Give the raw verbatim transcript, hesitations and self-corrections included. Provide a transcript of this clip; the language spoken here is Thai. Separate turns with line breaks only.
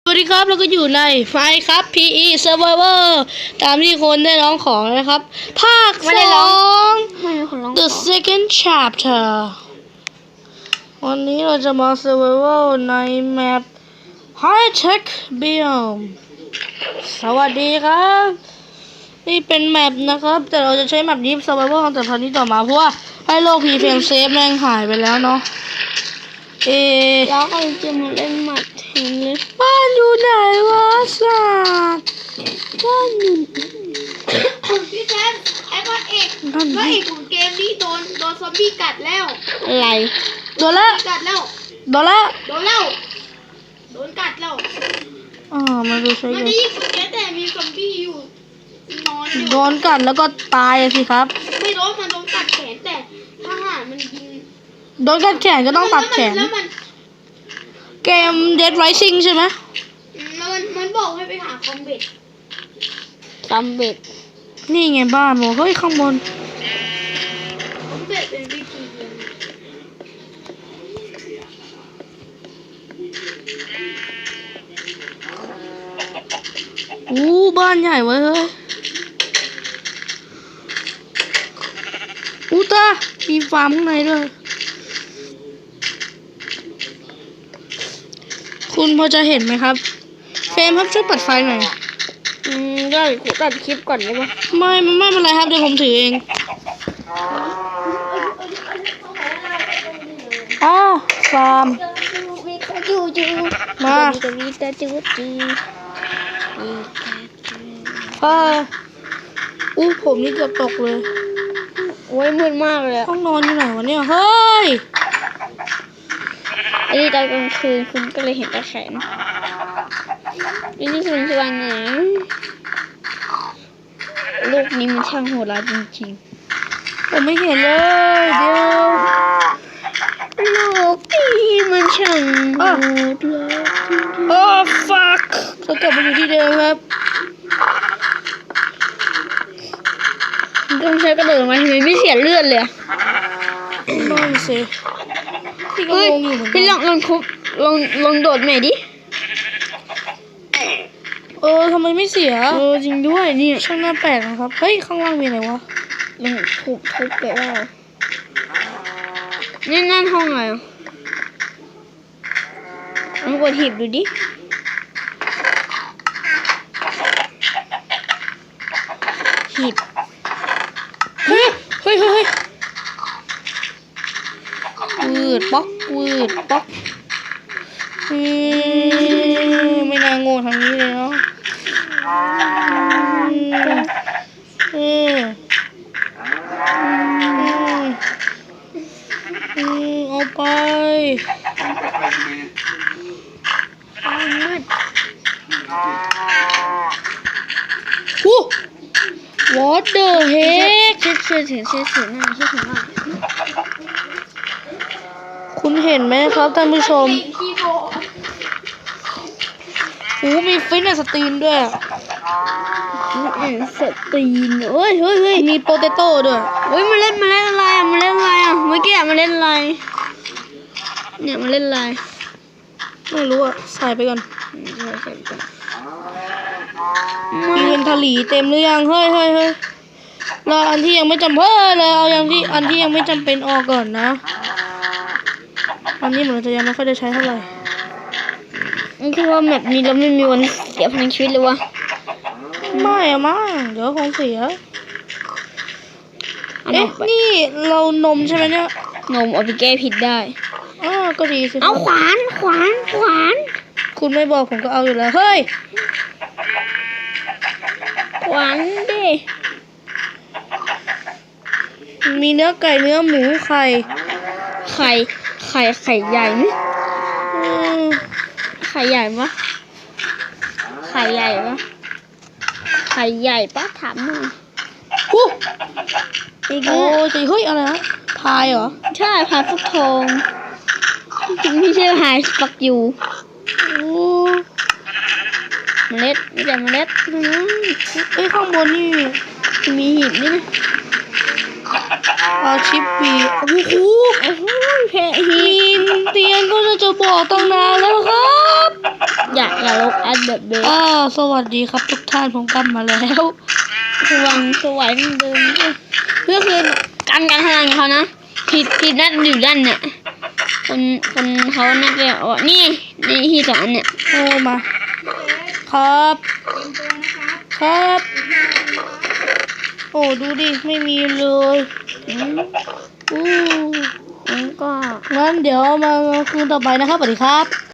สวัสดีครับเราก็อยู่ในไฟครับ พี อี Survivor ตามที่คนได้ร้องของนะครับภาคสอง The Second Chapter วันนี้เราจะมา Survival ในแมป High Tech Biome สวัสดีครับนี่เป็นแมปนะครับแต่เราจะใช้แมปนี้ Survival ตั้งแต่ตอนนี้ต่อมาเพราะว่าให้โลก P-Frame Safe แม่งหายไปแล้วเนาะเอ
แล้วก็จะมาเล่นหมัดเทนนิส
บ้านอยู่ไหนวะสัตว์
บ้านอยู่
พี่แทนไอ้พระเอกพระเอกของเกมนี้โดนโดนซอมบี้กัดแล้ว
อะไร
โดนแล้ว
กัดแล้ว
โดนแล้ว
โดนแล้วโดนกัดแล้ว
อ๋อมาดูใช้
มันจะยิ่งสุดแต่มีซอมบี้อยู่นอนอยู่
โดนกัดแล้วก็ตายสิครับ
ไม่โดนมันโดนกัดแขนแต่ทหารมันยิง
โดนกัดแขนก็ต้องตัดแขน
แล้วมัน
เกม Dead Rising ใช่ไหม
มันมันบอกให้ไปหาคอมเบต
คอมเบต
นี่ไงบ้านโมเฮ้ยข้างบน
คอมเบตเป็นวิธีเดียว
อู้บ้านใหญ่เว้ยเฮ้ยอู้ตามีฟาร์มข้างในด้วยคุณพอจะเห็นไหมครับเฟรมครับช่วยปัดไฟหน่อย
อืมได้กูตัดคลิปก่อนได้ปะ
ไม่ไม่เป็นไรครับเดี๋ยวผมถือเองอ้าวฟาร์มมาเอออู้ผมนี่เกือบตกเลย
โอ้ยมืดมากเลย
ห้องนอนอยู่ไหนวะเนี่ยเฮ้ย
อันนี้ตอนกลางคืนคุณก็เลยเห็นตาแขนอันนี้คือสว่างไหนโลกนี้มันช่างโหดร้ายจริง
ๆผมไม่เห็นเลยเดี๋ยว
โลกนี้มันช่างโหดร้าย
โอ้ fuck เรากลับมาอยู่ที่เดิมครับ
ต้องใช้กระโดดมาทำไมไม่เสียเลือดเลย
นั่นสิพี่ก็งงอยู่เหมือนกัน
พี่ลองลองทุบลองลองโดดใหม่ดิ
เออทำไมไม่เสีย
เออจริงด้วยนี่
ช่างน่าแปลกนะครับเฮ้ยข้างล่างมีอะไรวะ
ลองทุบทุบไปว่านี่นั่นห้องอะไรลองกดหีบดูดิหีบ
เฮ้ยเฮ้ยเฮ้ยวืดป๊อกวืดป๊อกอืมไม่น่าโง่ทางนี้เลยเนาะอืมอืมเอาไปฮู้ What the heck
เชื่อเชื่อถือเชื่อถือหน้าเชื่อถือหน้า
คุณเห็นไหมครับท่านผู้ชมโอ้มีฟิตเนสสตรีนด้วย
ฟิตเนสสตรีนเฮ้ยเฮ้ยเฮ้ย
มีโปเตโต้ด้วย
เฮ้ยมาเล่นมาเล่นอะไรอ่ะมาเล่นอะไรอ่ะเมื่อกี้มาเล่นอะไรเนี่ยมาเล่นอะไร
ไม่รู้อ่ะใส่ไปก่อน
ใส่ไปก่อน
มีเงินทะลีเต็มหรือยังเฮ้ยเฮ้ยเฮ้ยเราอันที่ยังไม่จำเพิ่มเลยเอาอย่างที่อันที่ยังไม่จำเป็นออกก่อนนะอันนี้เหมือนจะยังไม่ค่อยได้ใช้เท่าไหร่
นี่คือว่าแบบนี้เราไม่มีวันเสียพลังชีวิตเลยวะ
ไม่อะมั้งเดี๋ยวคงเสียเอ๊ะนี่เรานมใช่ไหมเนี่ย
นมเอาไปแก้ผิดได้
อ๋อก็ดีสิ
เอาขวานขวานขวาน
คุณไม่บอกผมก็เอาอยู่แล้วเฮ้ย
ขวานดิ
มีเนื้อไก่เนื้อหมูไข่
ไข่ไข่ไข่ใหญ่ไหมไข่ใหญ่ปะไข่ใหญ่ปะไข่ใหญ่ปะถามหน่อย
ฮู้อีกโอ้ยเฮ้ยอะไรนะพายเหรอ
ใช่พายฟักทองจริงไม่ใช่พายฟักยู
โอ้
เมล็ดไม่ใช่เมล็ด
เอ้ยข้างบนนี่
มีหีบนี่นะ
อาชิปปีโอ้โห
แพะหิน
เตียงก็จะบอกตั้งนานแล้วครับ
อย่าอย่าลกแอดแบบเดิม
อ้าวสวัสดีครับทุกท่านผมกลับมาแล้ว
สว่างสวยเหมือนเดิมเพื่อคือการการทำงานของเขานะผิดผิดนัดอยู่ด้านเนี่ยคนคนเขาน่าจะอ๋อนี่ในที่สองอันเนี่ย
โอ้มา ครับ ครับ โอ้ดูดิ ไม่มีเลย
อืม
อู้
งั้นก็
งั้นเดี๋ยวมาคืนต่อไปนะครับสวัสดีครับ